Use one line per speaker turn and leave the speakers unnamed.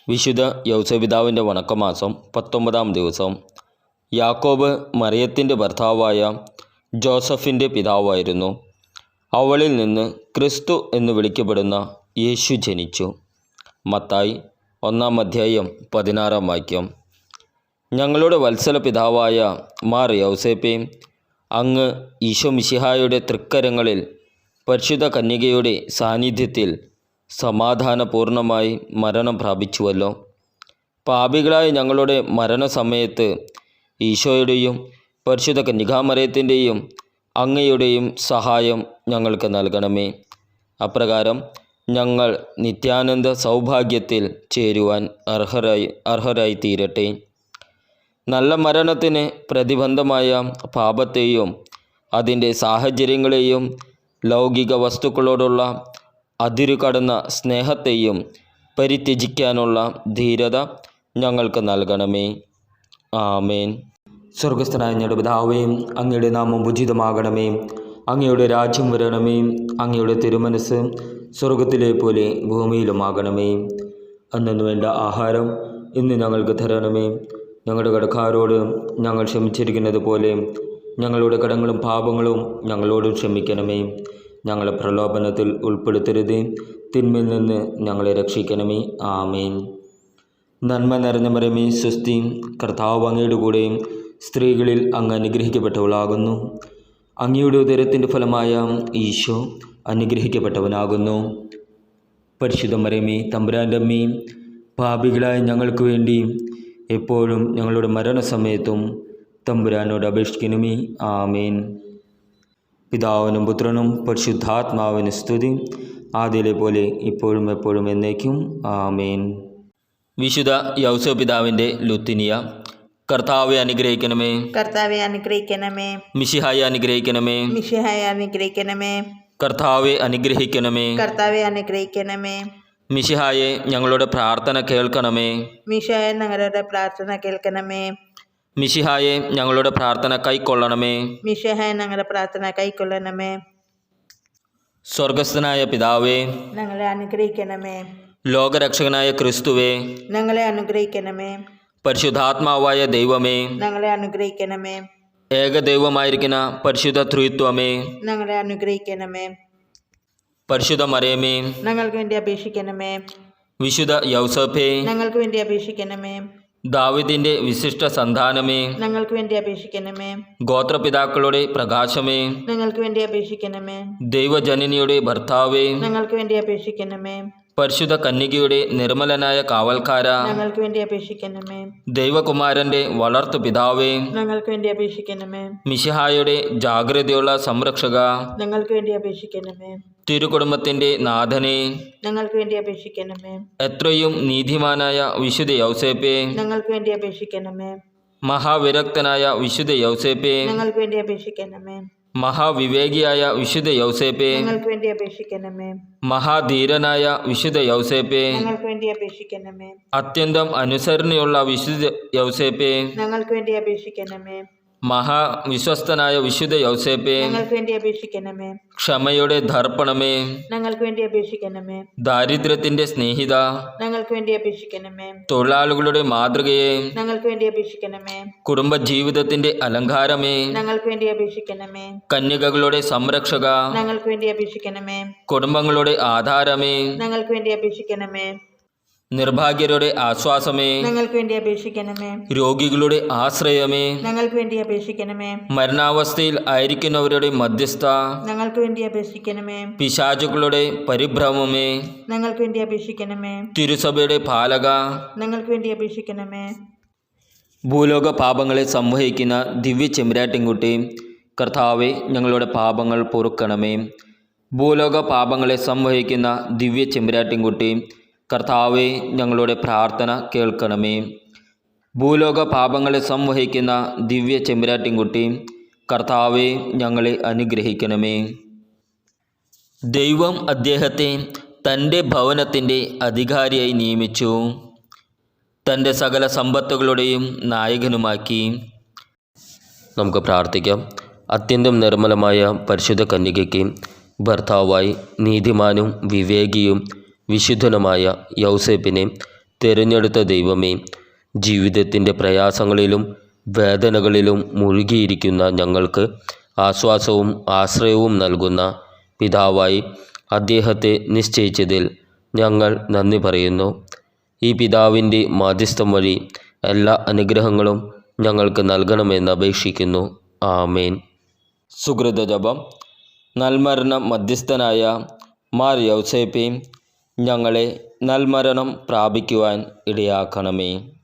വിശുദ്ധ യൗസേപിതാവിൻ്റെ വണക്കമാസം 19-ാം ദിവസം. യാക്കോബ് മറിയത്തിൻ്റെ ഭർത്താവായ ജോസഫിൻ്റെ പിതാവായിരുന്നു. അവളിൽ നിന്ന് ക്രിസ്തു എന്ന് വിളിക്കപ്പെടുന്ന യേശു ജനിച്ചു. മത്തായി 1-ാം അധ്യായം 16-ാം വാക്യം. ഞങ്ങളുടെ വത്സല പിതാവായ മാർ യൗസേപ്പേ, അങ്ങ് ഈശോ മിശിഹായുടെ തൃക്കരങ്ങളിൽ പരിശുദ്ധ കന്യകയുടെ സാന്നിധ്യത്തിൽ സമാധാനപൂർണമായി മരണം പ്രാപിച്ചുവല്ലോ. പാപികളായ ഞങ്ങളുടെ മരണസമയത്ത് ഈശോയുടെയും പരിശുദ്ധ കന്യകാമറിയത്തിൻ്റെയും അങ്ങയുടെയും സഹായം ഞങ്ങൾക്ക് നൽകണമേ. അപ്രകാരം ഞങ്ങൾ നിത്യാനന്ദ സൗഭാഗ്യത്തിൽ ചേരുവാൻ അർഹരായി തീരട്ടെ. നല്ല മരണത്തിന് പ്രതിബന്ധമായ പാപത്തെയും അതിൻ്റെ സാഹചര്യങ്ങളെയും ലൗകിക വസ്തുക്കളോടുള്ള അതിരുകടന്ന സ്നേഹത്തെയും പരിത്യജിക്കാനുള്ള ധീരത ഞങ്ങൾക്ക് നൽകണമേ. ആമേൻ. സ്വർഗസ്ഥനായ ഞങ്ങളുടെ പിതാവേ, അങ്ങയുടെ നാമം ഉചിതമാകണമേ. അങ്ങയുടെ രാജ്യം വരണമേ. അങ്ങയുടെ തിരുമനസ് സ്വർഗത്തിലെ പോലെ ഭൂമിയിലുമാകണമേ. അന്നു വേണ്ട ആഹാരം ഇന്ന് ഞങ്ങൾക്ക് തരണമേ. ഞങ്ങളുടെ കടക്കാരോട് ഞങ്ങൾ ക്ഷമിച്ചിരിക്കുന്നത് പോലെ ഞങ്ങളുടെ കടങ്ങളും പാപങ്ങളും ഞങ്ങളോടും ക്ഷമിക്കണമേ. ഞങ്ങളെ പ്രലോഭനത്തിൽ ഉൾപ്പെടുത്തരുത്, തിന്മയിൽ നിന്ന് ഞങ്ങളെ രക്ഷിക്കണമേ. ആമേൻ. നന്മ നിറഞ്ഞ മറിയമേ, സ്വസ്തി, കർത്താവ് അങ്ങയുടെ കൂടെ സ്ത്രീകളിൽ അങ്ങ് അനുഗ്രഹിക്കപ്പെട്ടവളാകുന്നു. അങ്ങയുടെ ഉദരത്തിൻ്റെ ഫലമായ ഈശോ അനുഗ്രഹിക്കപ്പെട്ടവനാകുന്നു. പരിശുദ്ധ മറിയമേ, തമ്പുരാൻ്റെ അമ്മേ, പാപികളായ ഞങ്ങൾക്ക് വേണ്ടി എപ്പോഴും ഞങ്ങളുടെ മരണസമയത്തും തമ്പുരാനോട് അപേക്ഷിക്കണമേ. ആമേൻ. പിതാവിനും പുത്രനും പരിശുദ്ധാത്മാവിന് സ്തുതി, ആദ്യയിലെ പോലെ ഇപ്പോഴും എപ്പോഴും എന്നേക്കും. ആമേൻ. വിശുദ്ധ യൗസേപിതാവിൻ്റെ ലുത്തിനിയ. കർത്താവെ അനുഗ്രഹിക്കണമേ.
കർത്താവെ അനുഗ്രഹിക്കണമേ.
മിശിഹായെ അനുഗ്രഹിക്കണമേ.
മിശിഹായെ അനുഗ്രഹിക്കണമേ.
കർത്താവെ അനുഗ്രഹിക്കണമേ.
കർത്താവെ അനുഗ്രഹിക്കണമേ.
മിശിഹായെ ഞങ്ങളുടെ പ്രാർത്ഥന കേൾക്കണമേ.
മിശിഹായെ ഞങ്ങളുടെ പ്രാർത്ഥന കേൾക്കണമേ.
മിശിഹായെ ഞങ്ങളുടെ പ്രാർത്ഥന കൈക്കൊള്ളണമേ.
മിശിഹായെ ഞങ്ങളുടെ പ്രാർത്ഥന കൈക്കൊള്ളണമേ.
സ്വർഗസ്ഥനായ പിതാവേ,
ഞങ്ങളെ അനുഗ്രഹിക്കണമേ.
ലോകരക്ഷകനായ ക്രിസ്തുവേ,
ഞങ്ങളെ അനുഗ്രഹിക്കണമേ.
പരിശുദ്ധാത്മാവായ ദൈവമേ,
ഞങ്ങളെ അനുഗ്രഹിക്കണമേ.
ഏകദൈവമായിരിക്കുന്ന പരിശുദ്ധ ത്രിത്വമേ,
ഞങ്ങളെ അനുഗ്രഹിക്കണമേ.
പരിശുദ്ധ മറിയമേ,
ഞങ്ങൾക്ക് വേണ്ടി അപേക്ഷിക്കണമേ.
വിശുദ്ധ യൗസേപ്പേ,
ഞങ്ങൾക്ക് വേണ്ടി അപേക്ഷിക്കണമേ.
ദാവീദിന്റെ വിശിഷ്ട സന്താനമേ,
ഞങ്ങൾക്ക് വേണ്ടി അപേക്ഷിക്കണമേ.
ഗോത്രപിതാക്കളുടെ പ്രകാശമേ,
ഞങ്ങൾക്ക് വേണ്ടി അപേക്ഷിക്കണമേ.
ദൈവജനനിയുടെ ഭർത്താവേ,
ഞങ്ങൾക്ക് വേണ്ടി അപേക്ഷിക്കണമേ.
പരിശുദ്ധ കന്യകയുടെ നിർമ്മലനായ കാവൽക്കാര,
ഞങ്ങൾക്ക് വേണ്ടി അപേക്ഷിക്കണമേ.
ദൈവകുമാരന്റെ വളർത്തു പിതാവേ,
ഞങ്ങൾക്ക് വേണ്ടി അപേക്ഷിക്കണമേ.
മിശിഹായുടെ ജാഗ്രതയുള്ള സംരക്ഷക,
ഞങ്ങൾക്ക് വേണ്ടി അപേക്ഷിക്കണമേ.
തിരുകുടുംബത്തിന്റെ നാഥനെ,
ഞങ്ങൾക്ക് വേണ്ടി അപേക്ഷിക്കണമേ.
എത്രയും നീതിമാനായ വിശുദ്ധ യൗസേപ്പേ,
ഞങ്ങൾക്ക് വേണ്ടി അപേക്ഷിക്കണമേ.
മഹാവിരക്തനായ വിശുദ്ധ യൗസേപ്പേ,
ഞങ്ങൾക്ക് വേണ്ടി അപേക്ഷിക്കണമേ.
മഹാവിവേകിയായ വിശുദ്ധ യൗസേപ്പേ,
ഞങ്ങൾക്ക് വേണ്ടി അപേക്ഷിക്കണമേ.
മഹാധീരനായ വിശുദ്ധ യൗസേപ്പേ,
ഞങ്ങൾക്ക് വേണ്ടി അപേക്ഷിക്കണമേ.
അത്യന്തം അനുസരണയുള്ള വിശുദ്ധ യൗസേപ്പേ,
ഞങ്ങൾക്ക് വേണ്ടി അപേക്ഷിക്കണമേ.
മഹാവിശ്വസ്തനായ വിശുദ്ധ യൗസേപ്പേ,
ഞങ്ങൾക്ക് വേണ്ടി അപേക്ഷിക്കണമേ.
ക്ഷമയുടെ ദർപ്പണമേ,
ഞങ്ങൾക്ക് വേണ്ടി അപേക്ഷിക്കണമേ.
ദാരിദ്ര്യത്തിന്റെ സ്നേഹിത,
ഞങ്ങൾക്ക് വേണ്ടി അപേക്ഷിക്കണമേ.
തൊഴിലാളികളുടെ മാതൃകയെ,
ഞങ്ങൾക്ക് വേണ്ടി അപേക്ഷിക്കണമേ.
കുടുംബജീവിതത്തിന്റെ അലങ്കാരമേ,
ഞങ്ങൾക്ക് വേണ്ടി അപേക്ഷിക്കണമേ.
കന്യകകളുടെ സംരക്ഷക,
ഞങ്ങൾക്ക് വേണ്ടി അപേക്ഷിക്കണമേ.
കുടുംബങ്ങളുടെ ആധാരമേ,
ഞങ്ങൾക്ക് വേണ്ടി അപേക്ഷിക്കണമേ.
നിർഭാഗ്യരുടെ ആശ്വാസമേ,
ഞങ്ങൾക്ക് വേണ്ടി അപേക്ഷിക്കണമേ.
രോഗികളുടെ ആശ്രയമേ,
ഞങ്ങൾക്ക് വേണ്ടി അപേക്ഷിക്കണമേ.
മരണാവസ്ഥയിൽ ആയിരിക്കുന്നവരുടെ മധ്യസ്ഥ,
ഞങ്ങൾക്ക് വേണ്ടി അപേക്ഷിക്കണമേ.
പിശാചുക്കളുടെ പരിഭ്രമമേ,
ഞങ്ങൾക്ക് വേണ്ടി അപേക്ഷിക്കണമേ.
തിരുസഭയുടെ പാലക,
ഞങ്ങൾക്ക് വേണ്ടി അപേക്ഷിക്കണമേ.
ഭൂലോക പാപങ്ങളെ സംവഹിക്കുന്ന ദിവ്യ ചെമ്പരാട്ടിൻകുട്ടി, കർത്താവെ ഞങ്ങളുടെ പാപങ്ങൾ പൊറുക്കണമേ. ഭൂലോക പാപങ്ങളെ സംവഹിക്കുന്ന ദിവ്യ ചെമ്പരാട്ടിൻകുട്ടി, കർത്താവെ ഞങ്ങളുടെ പ്രാർത്ഥന കേൾക്കണമേ. ഭൂലോക പാപങ്ങളെ സംവഹിക്കുന്ന ദിവ്യ ചെമ്പരാട്ടിൻകുട്ടി, കർത്താവെ ഞങ്ങളെ അനുഗ്രഹിക്കണമേ. ദൈവം അദ്ദേഹത്തെ തൻ്റെ ഭവനത്തിൻ്റെ അധികാരിയായി നിയമിച്ചു, തൻ്റെ സകല സമ്പത്തുകളുടെയും നായകനുമാക്കി. നമുക്ക് പ്രാർത്ഥിക്കാം. അത്യന്തം നിർമ്മലമായ പരിശുദ്ധ കന്യകയ്ക്ക് ഭർത്താവായി നീതിമാനും വിവേകിയും വിശുദ്ധനുമായ യൗസേപ്പിനെ തിരഞ്ഞെടുത്ത ദൈവമേ, ജീവിതത്തിൻ്റെ പ്രയാസങ്ങളിലും വേദനകളിലും മുഴുകിയിരിക്കുന്ന ഞങ്ങൾക്ക് ആശ്വാസവും ആശ്രയവും നൽകുന്ന പിതാവായി അദ്ദേഹത്തെ നിശ്ചയിച്ചതിൽ ഞങ്ങൾ നന്ദി പറയുന്നു. ഈ പിതാവിൻ്റെ മാധ്യസ്ഥം വഴി എല്ലാ അനുഗ്രഹങ്ങളും ഞങ്ങൾക്ക് നൽകണമെന്ന് അപേക്ഷിക്കുന്നു. ആമേൻ. സുകൃത ജപം. നൽമരണ മധ്യസ്ഥനായ മാർ യൗസേപ്പേ, ഞങ്ങളെ നൽമരണം പ്രാപിക്കുവാൻ ഇടയാക്കണമേ.